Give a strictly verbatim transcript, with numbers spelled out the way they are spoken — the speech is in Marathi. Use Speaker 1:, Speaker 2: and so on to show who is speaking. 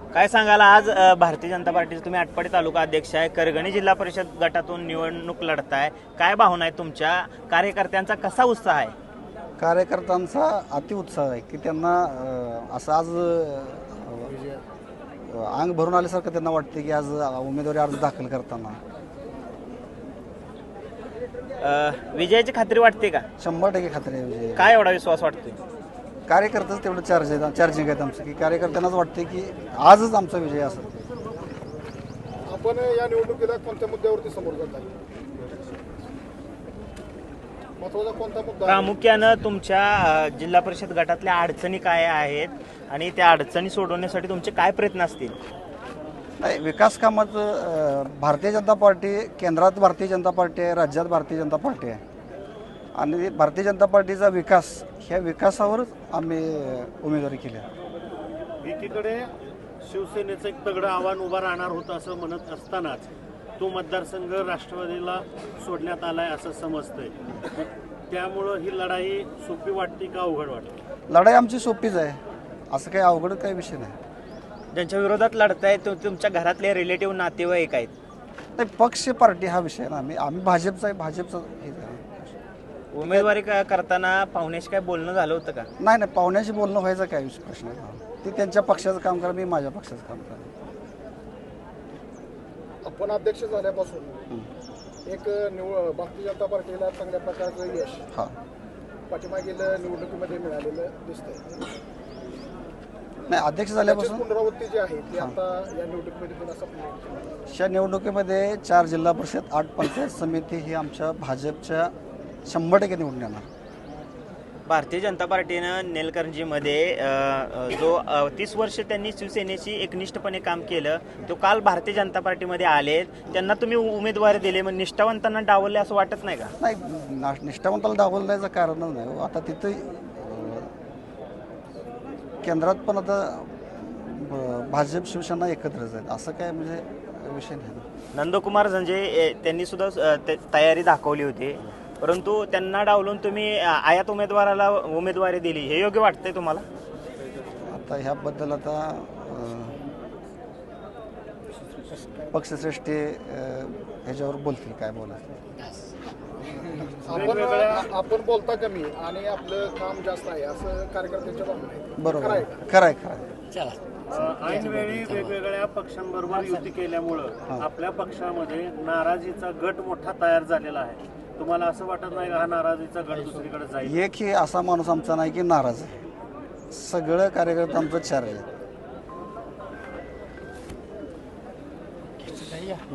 Speaker 1: काय सांगाल आज अ, भारतीय जनता पार्टीचे तुम्ही आटपाडी तालुका अध्यक्ष आहे, करगणी जिल्हा परिषद गटातून निवडणूक लढताय, काय भावना आहे तुमच्या? कार्यकर्त्यांचा कसा उत्साह आहे?
Speaker 2: कार्यकर्त्यांचा अतिउत्साह आहे की त्यांना अ, असं आज अ, अंग भरून आल्यासारखं त्यांना वाटते की आज उमेदवारी अर्ज दाखल करताना
Speaker 1: अ, विजयाची खात्री वाटते का?
Speaker 2: शंभर टक्के खात्री आहे विजय.
Speaker 1: काय एवढा विश्वास वाटतोय?
Speaker 2: कार्यकर्तेच तेवढं चार्ज आहे चार्जिंग आहेत आमचं की कार्यकर्त्यांनाच वाटते की आजच आमचा विजय असेल.
Speaker 3: आपण या निवडणुकीला कोणत्या मुद्द्यावरती समोर जात आहे? महत्वाचा कोणता मुद्दा आहे?
Speaker 1: प्रामुख्यानं तुमच्या अ, जिल्हा परिषद गटातल्या अडचणी काय आहेत आणि त्या अडचणी सोडवण्यासाठी तुमचे काय प्रयत्न असतील?
Speaker 2: नाही, विकास कामाचं अ, भारतीय जनता पार्टी केंद्रात भारतीय जनता पार्टी आहे, राज्यात भारतीय जनता पार्टी आहे आणि भारतीय जनता पार्टीचा विकास ह्या विकासावरच आम्ही अ, उमेदवारी केली आहे.
Speaker 4: एकीकडे शिवसेनेचं एक तगडं आव्हान उभं राहणार होतं असं म्हणत असतानाच तो मतदारसंघ राष्ट्रवादीला सोडण्यात आलाय असं समजतंय. त्यामुळं ही लढाई सोपी वाटते का अवघड वाटते?
Speaker 2: लढाई आमची सोपीच आहे, असं काही अवघड काही विषय नाही.
Speaker 1: ज्यांच्या विरोधात लढताय तो तुमच्या घरातले रिलेटिव्ह नातेवाईक आहेत.
Speaker 2: नाही, पक्ष पार्टी हा विषय आहे ना. आम्ही आम्ही भाजपचा आहे, भाजपचा हे आहे.
Speaker 1: उमेदवारी क- करताना पाहुण्याशी काय बोलणं झालं होतं का?
Speaker 2: नाही नाही पाहुण्याशी बोलणं व्हायचा काय विषय प्रश्न आहे? ते त्यांच्या पक्षाचं काम करा, मी माझ्या पक्षाचं काम करा.
Speaker 3: आपण अध्यक्ष झाल्यापासून एक निवड भारतीय जनता पार्टीला चांगल्या प्रकारचं यश
Speaker 2: हां
Speaker 3: पाठीमागील निवडणुकीमध्ये मिळालेलं दिसतंय.
Speaker 2: नाही, अध्यक्ष
Speaker 3: त्याची
Speaker 2: झाल्यापासून
Speaker 3: पुनरावृत्ती जी आहे ती आता या निवडणुकीमध्ये पुन्हा संपली.
Speaker 2: या निवडणुकीमध्ये चार जिल्हा परिषद आठ पंचायत समिती ही आमच्या भाजपच्या शंभर टक्के निवडून येणार.
Speaker 1: भारतीय जनता पार्टीनं नेलकंजीमध्ये अ, अ, जो अ, तीस वर्ष त्यांनी शिवसेनेशी एकनिष्ठपणे काम केलं, तो काल भारतीय जनता पार्टीमध्ये आले, त्यांना तुम्ही उमेदवारी दिली, मग निष्ठावंतांना डावलले असं वाटत नाही का?
Speaker 2: नाही, ना- निष्ठावंताला डावल द्यायचं कारणच नाही हो. आता तिथं अं, केंद्रात पण आता ब- भाजप शिवसेना एकत्रच आहेत, असं काय म्हणजे विषय नाही.
Speaker 1: नंदकुमार झंजे ए, त्यांनी सुद्धा अ, ते- तयारी दाखवली होती, परंतु त्यांना डावलून तुम्ही अ, आयात उमेदवाराला उमेदवारी दिली, हे योग्य वाटतंय तुम्हाला?
Speaker 2: आता ह्याबद्दल आता अं, पक्षश्रेष्ठी अं, ह्याच्यावर बोलतील काय बोलायचं.
Speaker 3: आपण आपण बोलता कमी आणि आपलं काम जास्त आहे असं कार्यकर्त्यांच्या भावना आहे.
Speaker 2: बरोबर
Speaker 3: खरं आहे
Speaker 2: आहे.
Speaker 3: का?
Speaker 2: खरं आहे खरं आहे.
Speaker 4: ऐनवेळी वेगवेगळ्या पक्षांबरोबर युती केल्यामुळं आपल्या पक्षामध्ये नाराजीचा गट मोठा तयार झालेला आहे. तुम्हाला असं वाटत नाही का हा नाराजीचा गट दुसरीकडे जाईल?
Speaker 2: एक ही असा माणूस आमचा नाही की नाराज आहे. सगळं कार्यकर्ते आमचं चार आहे.